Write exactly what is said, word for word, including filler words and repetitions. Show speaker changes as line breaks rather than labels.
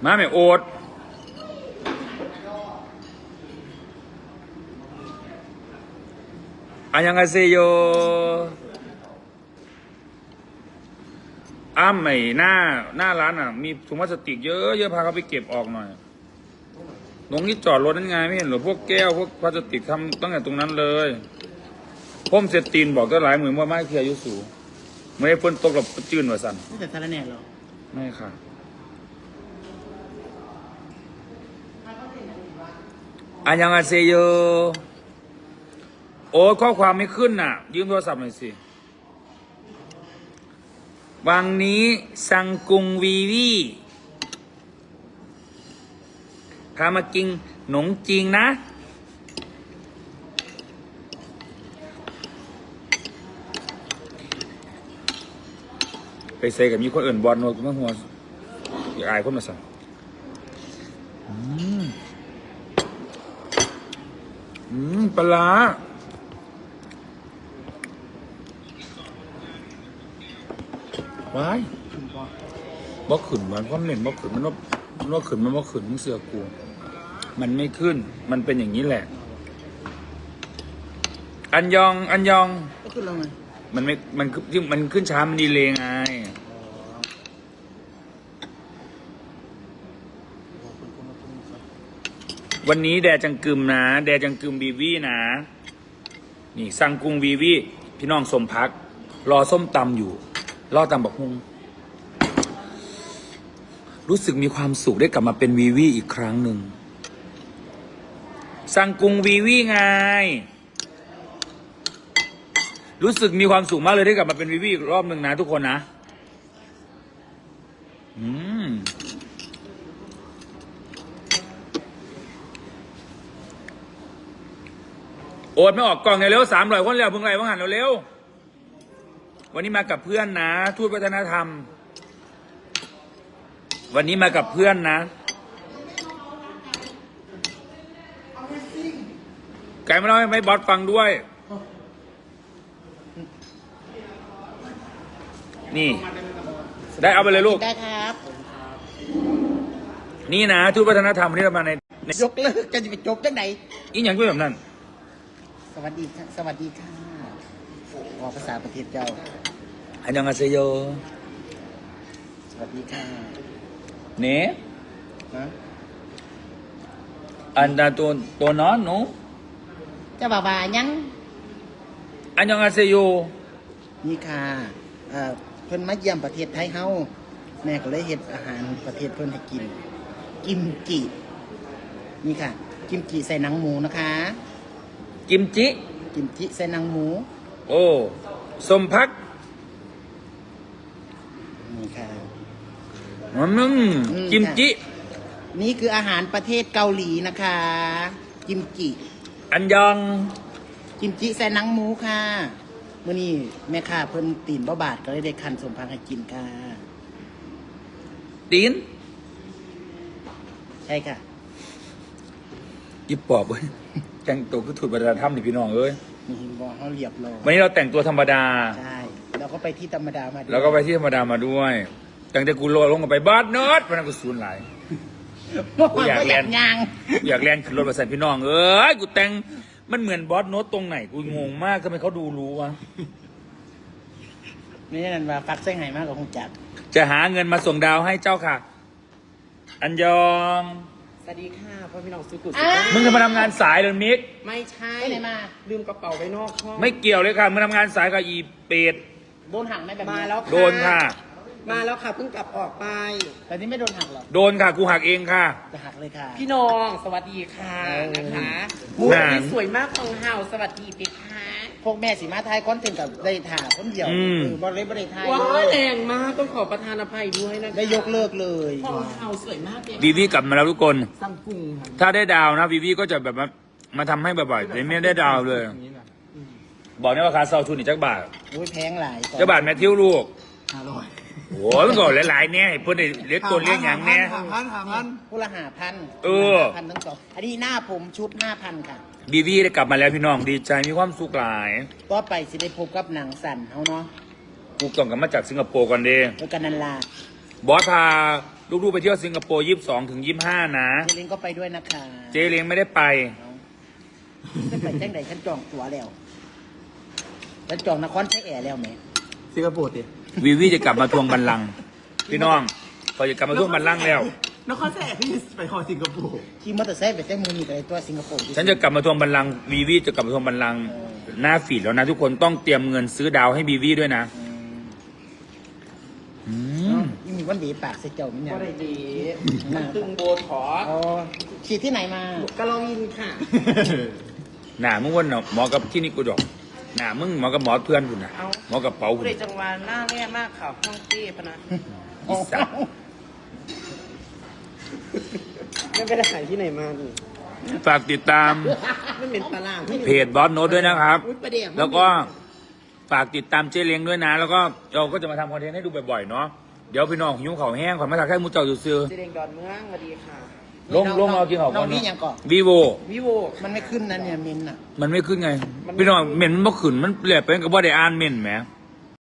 มาแม่โอ๊ตอันยังไงเซโยอ้ำไอ้หน้าหน้าร้านอ่ะมีถุงพลาสติกเยอะเยอะพาเขาไปเก็บออกหน่อยตรงนี้จอดรถนั่นไงไม่เห็นหรอพวกแก้วพวกพลาสติกทำตั้งแต่ตรงนั้นเลยพ่มเซตีนบอกก็หลายหมื่นว่าไม่เคียยุสูไม่ได้ฝนตกหรอกจืดว่าสัน
ไม่แต่สารแหน่หรอ
ไม่ค่ะอันยังไงเซโยโอ้ข้อความไม่ขึ้นน่ะยืมโทรศัพท์หน่อยสิวังนี้สังกุงวีวีพามากินหนงจริงนะไปเซกับมีคนอื่นบอลโน้ตมาหัวอยากอายคนมาสั่งอืมอืมปลาว้ายบ่ขึ้นมันก็เน่นบ่ขึ้นมันว่ามันว่าขึ้นมันว่าขึ้นมึงเสือกูมันไม่ขึ้นมันเป็นอย่างนี้แหละอันยองอันยอง
ก็ขึ้นแล้วไง
มันไม่มันที่มันขึ้นช้ามันดีเลยไงวันนี้แดจังกึมนะแดจังกึมวีวีนะนี่สั่งกุ้งวีวีพี่น้องสมพักรอส้มตำอยู่รอตำบักฮุงรู้สึกมีความสุขได้กลับมาเป็นวีวีอีกครั้งหนึ่งสั่งกุ้งวีวีไงรู้สึกมีความสุขมากเลยได้กลับมาเป็นวีวีอีกรอบหนึ่งนะทุกคนนะอืมโอดไม่ออกกล่องเร็วสามร้อยคนแล้วเพิ่งไรเพิ่งหันเร็ววันนี้มากับเพื่อนนะทูตวัฒนธรรมวันนี้มากับเพื่อนนะไก่ไม่เล่าให้ไม่บอสฟังด้วยนี่ได้เอาไปเลยลูก
ได้ครับ
นี่นะทูตวัฒนธรรมวันนี้เรามาใน
ยกเลิกกันจะไปจบจังไหน
อีกอย่างด้วยแบบนั้น
สวัสดีค่ะสวัสดีค่ะออกภาษาประเทศเจ้า
อันยังอาเซโย
สวัสดีค่ะ
เน่อันดาตัวตัวน้อนหนู
จะบ่าวายัง
อันยังอาเซโย
นี่ค่ะเอ่อเพิ่นมาเยี่ยมประเทศไทยเฮาแม่ก็เลยเฮ็ดอาหารประเทศเพิ่นให้กินกิมจินี่ค่ะกิมจิใส่หนังหมูนะคะ
กิมจิ
กิมจิใส่หนังหมู
โอ้สมพัก
นี่ค่ะ
อืมกิมจิ
นี่คืออาหารประเทศเกาหลีนะคะกิมจิ
อันยอง
กิมจิใส่หนังหมูค่ะมื้อนี้แม่ค้าเพิ่นตีนบ่บาทก็เลยได้คั้นสมพักให้กินค่ะ
ตีน
ใช่ค่ะ
ยิบปอบเว้ยแต่งตัวคือถูกวัฒนธรรมนี่พี่น้องเอ้ย
นี่บอกเขาเรียบร้อย
วันนี้เราแต่งตัวธรรมดา
ใช่แล้วก็ไปที่ธรรมดามา
แล้วก็ไปที่ธรรมดามาด้วยตั้งแต่กูโลลงกันไปบ้านเนิร์ดวันนั้นกูสูญหลายกูอยากแลนอยากแลนขึ้นรถมาใส่พี่น้องเอ้ยกูแต่งมันเหมือนบอสโน้ตตรงไหนกูงงมากทำไมเขาดูรู้วะ
นี่นั่นว่าฟักเส้นไห่มากกว่าคงจัก
จะหาเงินมาส่งดาวให้เจ้าค่ะอันยอง
สวัสดีค่ะพ่อพี่น้องสุกุล
มึงจะมาทำงานสายหรือมิก
ไม่ใช่ไหนมาลืมกระเป๋าไว้นอกห้อง
ไม่เกี่ยวเลยค่ะมึงทำงานสายกับอีเป็ด
โดนหักไหมแบบมาแล้ว
โดนค่ะ
มาแล้วค่ะเพิ่งกลับออกไปแต่นี่ไม่โดนหักหรอ
โดนค่ะกูหักเองค่ะ
จะหักเลยค่ะพี่น้องสวัสดีค่ะนะคะมูนี่สวยมากของเฮาสวัสดีปีค่ะพวกแม่สีมาไทยคอนเทนต์กับได้ถ่าคนเดียวคือบอลเล่บอลไทยว้าแรงมากต้องขอประทานอภัยด้วยนะได้ยกเลิกเลยของเฮาสวยมากเลย
วีวีกลับมาแล้วทุกคน
ซัมซุง
ถ้าได้ดาวนะวีวีก็จะแบบมามาทำให้บ่อยๆแต่ไม่ได้ดาวเลยบอกนี่ว่าคาเซาทุนอีกจักบาท
โอ้ยแพงหลาย
จักบาทแมทธิวลูก
ห้าร้อย
โอ้ยมันก็หลายๆเนี่ยเพื่อนเล็กตัวเลี้ยงอย่างเนี้ย
ห้าพันห้าพันผู้ละห้าพัน
เออ
พันทั้งสองอันนี้หน้าผมชุดห้าพันค่ะ
บีวีได้กลับมาแล้วพี่น้องดีใจมีความสุขหลาย
ก็ไปสิได้พบกับหนังสั่นเขาเนาะ
กูต้องกลับมาจากสิงคโปร์กันเด้
แล้วกันนันลา
บอสพาลูกๆไปเที่ยวสิงคโปร์ยี่สิบสองถึงยี่สิบห้านะ
เจลิงก็ไปด้วยนะคะ
เจเล้งไม่ได้ไป
จะไปแจ้งใดฉันจองตั๋วแล้วฉันจองนครใช้แอร์แล้วไหม
สิงคโปร์ดิ
วีวีจะกลับมาทวงบัลลังก์พี่น้องพอจะกลับมาทวงบัลลังก์แล้ว
นครแสกพี่ไปขอสิงคโปร์
ขี่มอเตอร์ไซค์ไปแจ้งมือมีอะไรตัวสิงคโปร์
ฉันจะกลับมาทวงบัลลังก์วีวีจะกลับมาทวงบัลลังก์หน้าฟีดแล้วนะทุกคนต้องเตรียมเงินซื้อดาวให้วีวีด้วยนะอืม
นี่มีวันดีปากเสียเจ้ามั้ยเนี่ย
ก็ได้ดีมันตึงโบถอด
อ๋อฉีดที่ไหนมา
กะลอวินค่ะ
หน้ามึงวันเนาะหมอกับที่นี่กูดอกหน้ามึงหมอกับหมอเพื่อนคุณนะหมอกับเป๋าคุ
ผู้
ณ
ใดจังหวะหน้าแย่มากค่ะห้องเต้พะนะ
อีสัตว์
ไม่ไปได้หายที่ไหนมานี่
ฝากติดตาม
ไม่เป็นตารางไม่
เพจบอสโน้ตด้วยนะครับ
อุ๊ยประเดี๋ยว
แล้วก็ฝากติดตามเจ๊เล้งด้วยนะ แล้วก็เราก็จะมาทำคอนเทนต์ให้ดูบ่อยๆเนาะเดี๋ยวพี่น้องหิวข้าวแห้งขวัญมาถักแค่มูเจ้าซื้อ
เจเดงดอนเมืองสวัสดีค่ะ
ๆลงลงเอากินข้าวก่อน
น้องนี่
เนาะ
ยังก่อน
วีโว
วิโว
มันไม่ขึ้นนะเนี่ยมินอ่ะ
มันไม่ขึ้นไง พี่น้องเหม็นมันบ่ขึ้นมันเปลี่ยนเป็นกับว่าได้อ่านเหม็นแหม
ม